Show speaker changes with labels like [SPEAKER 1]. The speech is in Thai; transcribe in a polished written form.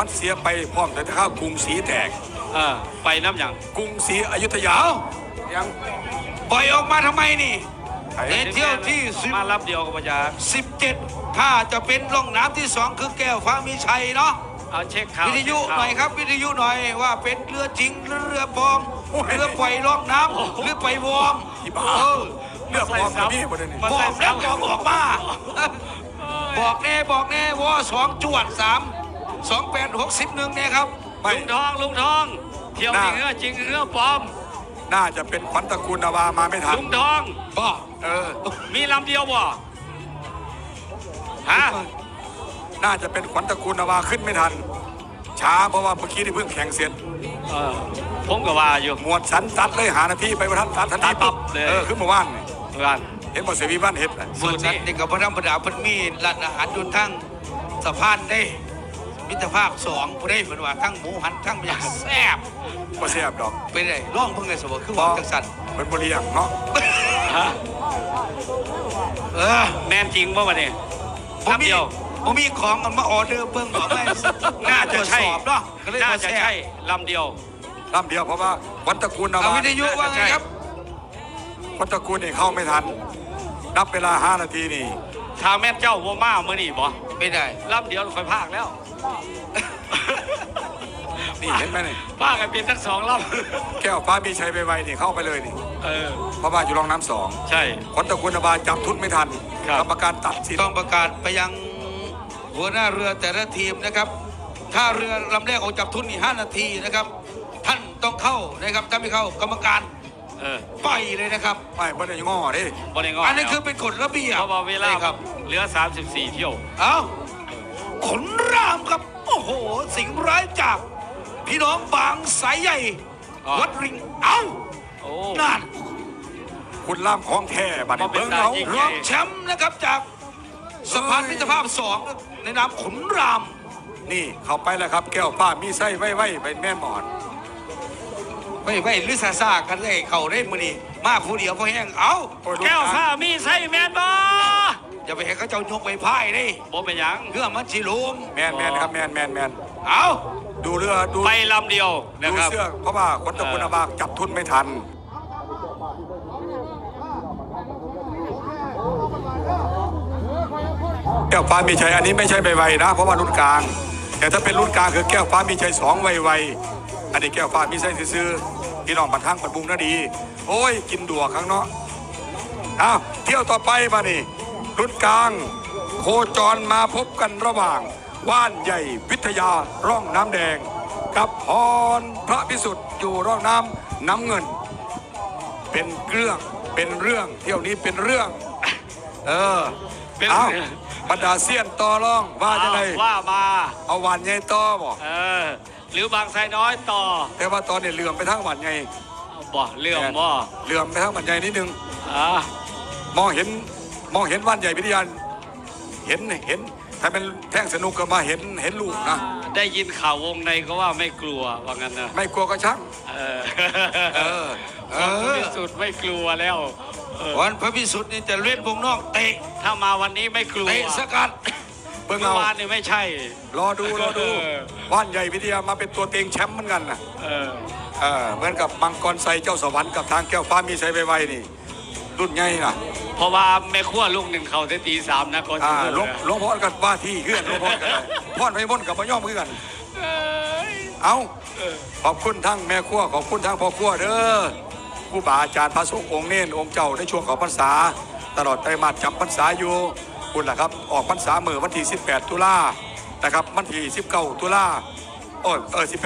[SPEAKER 1] เสียไปพร้อมแต่ข้าวกรุงศรีแตก
[SPEAKER 2] ไปน้ำอย่าง
[SPEAKER 1] กรุงศรีอยุธยา
[SPEAKER 3] ยังปล่อยออกมาทำไมนี่ในเที่ยวที่
[SPEAKER 2] มารับเดียวกับพญา
[SPEAKER 3] 17ถ้าจะเป็นร่องน้ำที่2คือแก้วฟ้ามีชัยเนาะ
[SPEAKER 2] เอาเช็คข่าว
[SPEAKER 3] วิทยุหน่อยครับวิทยุหน่อยว่าเป็นเรือจริงหรือเรือปลอมเรือปล่อยร่องน้ำหรือปล่อยวอร์ม
[SPEAKER 1] เรือปลอมกับพี่ประเด็นนี้
[SPEAKER 3] บอกแล้วบอกมาบอกแน่วอ2จวด3 28 61เนี่ยครับ
[SPEAKER 2] ลุงทองเที่ยวจริงเรือจริงเรือปลอม
[SPEAKER 1] น่าจะเป็นขวัญตระกูลนาวามาไม่ทัน
[SPEAKER 2] ลุงทองมีลำเดียวบ่ฮะ
[SPEAKER 1] น่าจะเป็นขวัญตระกูลนาวาขึ้นไม่ทันช้าเพราะว่าเมื่อกี้ที่เพิ่งแข่งเสร็จ
[SPEAKER 2] ผมก็ว่าอยู่
[SPEAKER 1] หมวดสันตัดเลยหานาทีไปประทันตัดทันที
[SPEAKER 2] ปั๊บ
[SPEAKER 1] ขึ้นมาว่านเห็นหมดเสวีบ้านเห็ด
[SPEAKER 3] หมวดสันนี่กับพระธรรมดาพันมีร้านอาหารอยู่ทั้งสะพานได้มิตรภาพ2ผู้ได้เหมือนว่าทั้งหมูหันทั้งอย่างแซ่บ
[SPEAKER 1] ก็แซ่บดอก
[SPEAKER 3] เป็นไรร่องเพิ่งไงสมบูรณ์คือว่าจังสัน
[SPEAKER 1] เป็นบริยังเนาะ
[SPEAKER 2] แมนจริงป่ะวะเนี่ย
[SPEAKER 3] ผมเดียวผมมีของกันมาออเดอร์เพิ่งบอกไม่
[SPEAKER 2] น่าจะใช่เนาะน่าจะใช่ลำเดียว
[SPEAKER 1] เพราะว่าวัตระกูลนาวา
[SPEAKER 3] วิทยุว่าไงครับ
[SPEAKER 1] วัตระกูลนี่เข้าไม่ทันนับเวลา5 นาทีนี่
[SPEAKER 2] ทางแม่เจ้าโวม่าเมื่อนี่บ่
[SPEAKER 3] ไม่ได้
[SPEAKER 2] ลำเดียวคอยพากแล้ว
[SPEAKER 1] นี่เห็นไหมนี่
[SPEAKER 2] พากกันเป็นทั้ง2 ล
[SPEAKER 1] ำแก้วฟ้ามีชัยไปไวนี่เข้าไปเลยนี่เพราะว่าอยู่รองน้ำ2
[SPEAKER 2] ใช่
[SPEAKER 1] วัตระกูลนาวาจับทุนไม่ทันกรรมการตัดสิน
[SPEAKER 3] ต้องประกาศไปยังหัวหน้าเรือแต่ละทีมนะครับถ้าเรือลำแรกออกจับทุนนี่5 นาทีนะครับท่านต้องเข้านะครับถ้าไม่เข้ากรรมการปล่อยเลยนะครับ
[SPEAKER 1] ไม่ได้ง้อดิ
[SPEAKER 3] อันนี้คือเป็นกฎระเบียบ
[SPEAKER 2] เพราะว่าเวลาครับเหลือ34 เที่ยว
[SPEAKER 3] ขนรามครับโอ้โหสิงร้ายจากพี่น้องบางสายใหญ่วัดริงนั่น
[SPEAKER 1] คุณล่ามของแท้บัดนี้เบิ้งเขา
[SPEAKER 3] รองแชมป์นะครับจากสะพานมิตรภาพ2ในนามขนราม
[SPEAKER 1] นี่เข้าไปแล้วครับแก้วฟ้ามีไส้ไว้เป็นแม่หมอน
[SPEAKER 3] ไม่หรือซากันเลยเขาได้มือนี่มาผู้เดียวพอแห้ง
[SPEAKER 2] แก้วฟ้ามีไส้แมนบ่
[SPEAKER 3] อย่าไปให้เขาเจ้ายกไปพ่ายดิ
[SPEAKER 2] บ่เป็นยัง
[SPEAKER 3] เรื่องมันชิลุม
[SPEAKER 1] แมนครับแมนดูเรือดู
[SPEAKER 2] ไปลำเดียว
[SPEAKER 1] นะครับดูเสื้อเพราะว่าคนตะกุนบากจับทุนไม่ทันแก้วฟ้ามีชัยอันนี้ไม่ใช่ไวๆนะเพราะว่ารุ่นกลางแต่ถ้าเป็นรุ่นกลางคือแก้วฟ้ามีชัย2ไวๆอันนี้แก้วฟ้ามีชัยซื้อพี่น้องบันทังบันบุงน่าดีโอ้ยกินดัวครั้งเนาะเที่ยวต่อไปมานี่รุ่นกลางโคจรมาพบกันระหว่างว่านใหญ่วิทยาร่องน้ำแดงกับพรพระพิสุทธิ์อยู่ร่องน้ำเงินเป็นเรื่องเที่ยวนี้เป็นเรื่องบรรดาเซียนต่อร่องว่าจะไง
[SPEAKER 2] ว่ามา
[SPEAKER 1] เอาหวานใหญ่ต่อบอก
[SPEAKER 2] หรือบางไทรน้อยต่อ
[SPEAKER 1] แต่ว่าตอนนี้เหลื่อมไปทั้งหวานใหญ่
[SPEAKER 2] บ่เหลื่อ
[SPEAKER 1] มไปทั้งหวานใหญ่นิดนึงมองเห็นว่านใหญ่วิทยาเห็นถ้าเป็นแท่งสนุกก็มาเห็นลูกนะ
[SPEAKER 2] ได้ยินข่าววงในก็ว่าไม่กลัวว่างั้นนะ
[SPEAKER 1] ไม่กลัวก็ช่าง
[SPEAKER 2] พระพิสุทธิ์ไม่กลัวแล้ว
[SPEAKER 3] วันพระพิสุทธิ์นี่จะเล่นวงนอกเตะ
[SPEAKER 2] ถ้ามาวันนี้ไม่กลัว
[SPEAKER 3] เตะสกัด
[SPEAKER 2] เมื่อวานนี่ไม่ใช่
[SPEAKER 1] รอดูว่านใหญ่วิทยามาเป็นตัวเต็งแชมป์เหมือนกันนะเหมือนกับมังกรไซเจ้าสวรรค์กับทางแก้วฟ้ามีไซไวนี่รุ่นใหญ่นะ
[SPEAKER 2] เพราะว่าแม่ขั้วลูกหนึ่งเขาได้ตี3นะก่อน
[SPEAKER 1] หลวงพ่อกับว่าที่เพื่อนหลวงพ่อกันพ่อนไปม่นกับพย่อมเพื่อนขอบคุณทั้งแม่ขั้วขอบคุณทั้งพ่อขั้วเด้อผู้บาอาจารย์พระสงฆ์องค์เน้นองค์เจ้าในช่วงของพรรษาตลอดไตรมาสจำพรรษาอยู่คุณล่ะครับออกพรรษาเมื่อวันที่18 ตุลานะครับวันที่19 ตุลา18